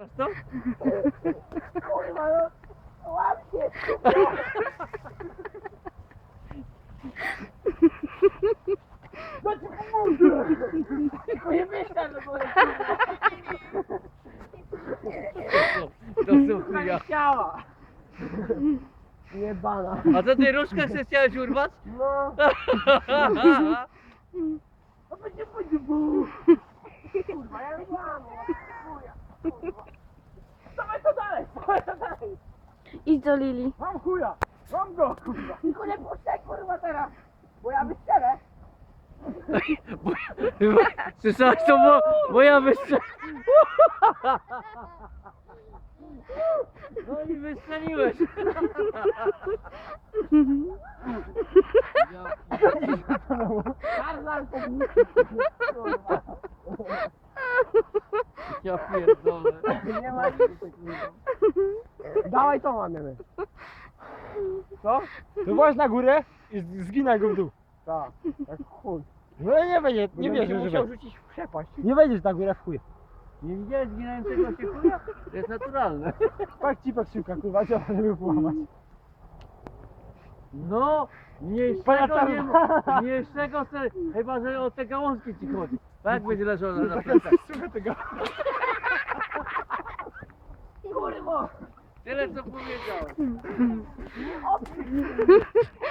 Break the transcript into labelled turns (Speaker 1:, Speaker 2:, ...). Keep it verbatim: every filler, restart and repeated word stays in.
Speaker 1: Co?
Speaker 2: Kurwa, no, łap się. No ci pomogę. Tylko nie myślę, no bo...
Speaker 1: To są chuja.
Speaker 2: Chciała. Jebana.
Speaker 1: A co ty różkę się chciałeś urwać?
Speaker 2: No. No będzie, będzie, bu. Kurwa, ja nie mam. Chuja. Kurwa. Dawaj to dalej, dawaj to dalej.
Speaker 3: Idź do Lili.
Speaker 2: Mam chuja. Mam go, kurwa. Tylko nie puszczaj, kurwa, teraz. Bo ja wystrzelę.
Speaker 1: Bo, słyszałeś to, bo, bo ja wystrzel... No i wystrzeliłeś.
Speaker 2: Tarzan to kurwa.
Speaker 1: Ja pierdolę.
Speaker 2: Nie ma nic takiego. Dawaj to mamy. Co?
Speaker 4: To właśnie na górę i z- zginaj go w dół.
Speaker 2: Tak, tak chuj.
Speaker 4: No nie będzie, nie
Speaker 2: Będę
Speaker 4: wierzę,
Speaker 2: musiał
Speaker 4: że
Speaker 2: rzucić w przepaść.
Speaker 4: nie wejdziesz na górę w chuj.
Speaker 1: Nie widziałeś zginającego się chuja? To jest naturalne.
Speaker 4: Tak cipek siłka, kurwa, trzeba, żeby połamać.
Speaker 1: No, mniejszego
Speaker 4: Pana
Speaker 1: nie
Speaker 4: czarna.
Speaker 1: mniejszego se, chyba że o te gałązki ci chodzi. Tak jak będzie leżał na, na plecach.
Speaker 4: Słuchaj tego.
Speaker 2: Kurwa!
Speaker 1: Tyle co powiedziałem.
Speaker 2: O,